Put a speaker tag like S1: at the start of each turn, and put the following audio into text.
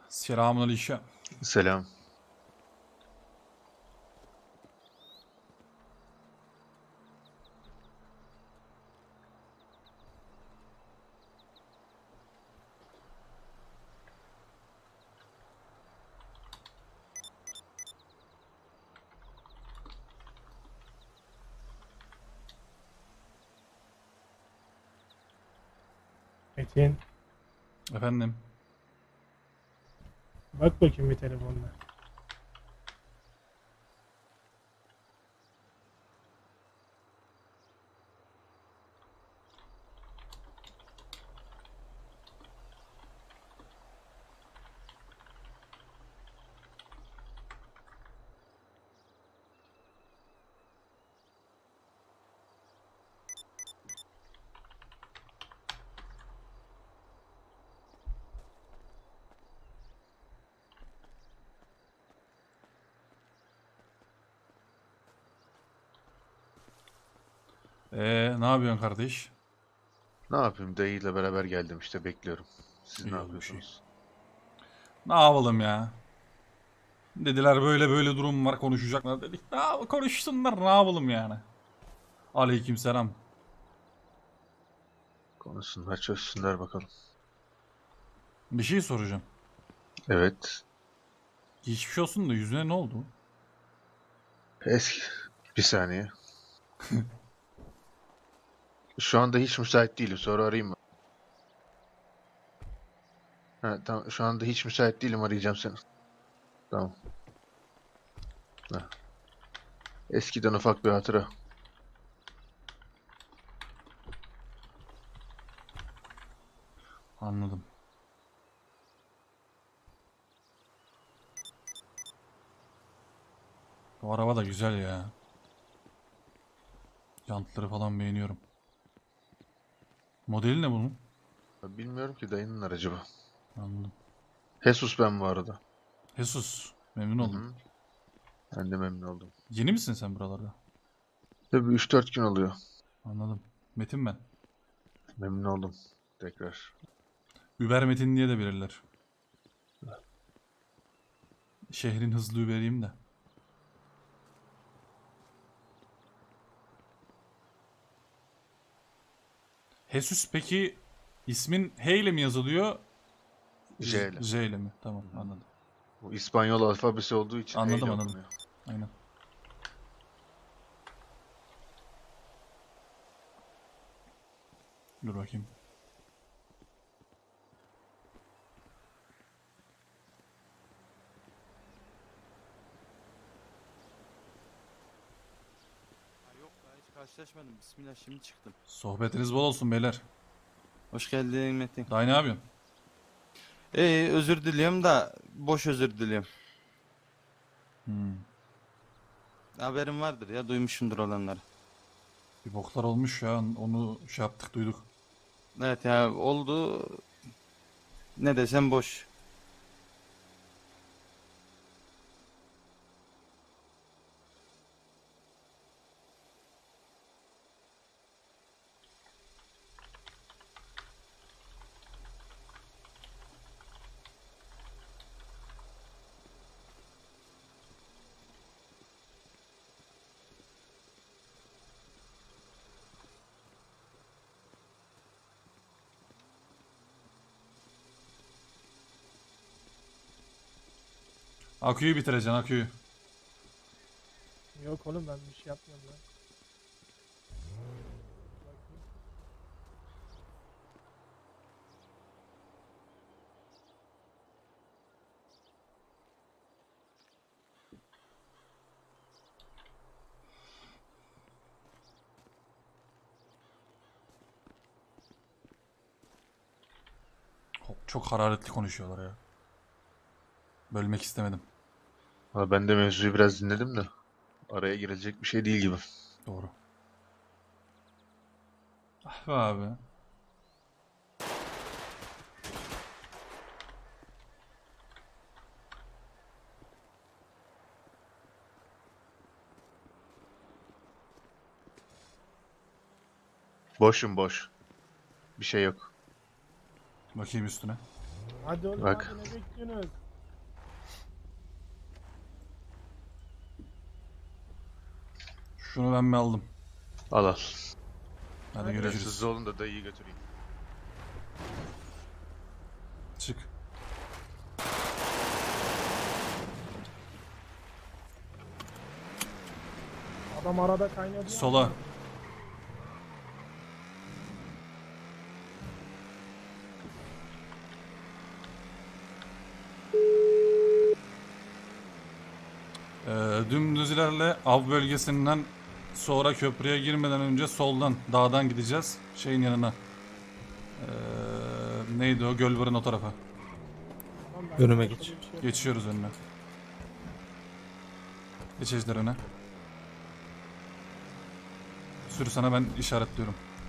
S1: Selamünaleyküm.
S2: Selam.
S3: Metin,
S1: Efendim.
S3: bak bakayım bir telefonla.
S1: Ne yapıyorsun kardeş?
S2: Ne yapayım? Dayıyla beraber geldim işte bekliyorum. Siz
S1: İyi
S2: ne
S1: olmuş, iyi.
S2: yapıyorsunuz?
S1: Ne yapalım ya? Dediler böyle böyle durum var konuşacaklar dedik. Konuşsunlar ne yapalım yani? Aleykümselam.
S2: Konuşsunlar, çözsünler bakalım.
S1: Bir şey soracağım.
S2: Evet.
S1: Geçmiş olsun da yüzüne ne oldu?
S2: Eski. Bir saniye. Şu anda hiç müsait değilim. Sonra arayayım mı? Ha, tamam. Şu anda hiç müsait değilim. Arayacağım seni. Tamam. Ha. Eskiden ufak bir hatıra.
S1: Anladım. Bu araba da güzel ya. Jantları falan beğeniyorum. Modeli ne bunun?
S2: Bilmiyorum ki dayının aracı bu.
S1: Anladım.
S2: Jesus ben bu arada.
S1: Jesus. Memnun
S2: Hı
S1: oldum.
S2: hı. Ben de memnun oldum.
S1: Yeni misin sen buralarda?
S2: Tabii 3-4 gün oluyor.
S1: Anladım. Metin ben.
S2: Memnun oldum. Tekrar.
S1: Über Metin diye de bilirler. Şehrin hızlı Uber'iyim de. Jesus peki ismin H ile mi yazılıyor?
S2: J ile.
S1: J ile mi? Tamam
S2: Hı hı.
S1: anladım.
S2: Bu İspanyol alfabesi olduğu için H
S1: Anladım
S2: ile
S1: anladım.
S2: okunuyor.
S1: Aynen. Dur bakayım.
S4: Ha, yok daha hiç karşılaşmadım. Bismillah şimdi çıktım.
S1: Sohbetiniz bol olsun beyler.
S4: Hoş geldin Metin.
S1: Daha ne yapıyorsun?
S4: Özür diliyorum da boş özür diliyorum.
S1: Hmm.
S4: Haberin vardır ya duymuşsundur olanları.
S1: Bir boklar olmuş ya. Onu şey yaptık duyduk.
S4: Evet ya oldu. Ne desem boş.
S1: Aküyü bitireceksin aküyü.
S3: Yok oğlum ben bir şey yapmıyorum lan. Bakayım.
S1: Çok hararetli konuşuyorlar ya. Bölmek istemedim.
S2: Valla ben de mevzuyu biraz dinledim de araya girecek bir şey değil gibi.
S1: Doğru. Ah be abi.
S2: Boşum boş. Bir şey yok.
S1: Bakayım üstüne.
S3: Hadi oğlum
S2: Bak.
S3: hadi ne bekliyorsunuz?
S1: Şunu ben mi aldım?
S2: Al al.
S1: Hadi
S3: Hadi
S2: Biraz
S1: görüşürüz.
S2: hızlı olun da dayıyı götüreyim.
S1: Çık.
S3: Adam arada kaynadı. ya.
S1: Sola. Dümdüz ilerle. Av bölgesinden sonra köprüye girmeden önce soldan dağdan gideceğiz. Şeyin yanına. Neydi o? Gölbar'ın o tarafa.
S3: Tamam, ben
S5: Önüme
S3: başka
S5: geç.
S3: bir şey yok.
S1: Geçiyoruz önüne. Geç ejderine. Sür sana ben işaretliyorum.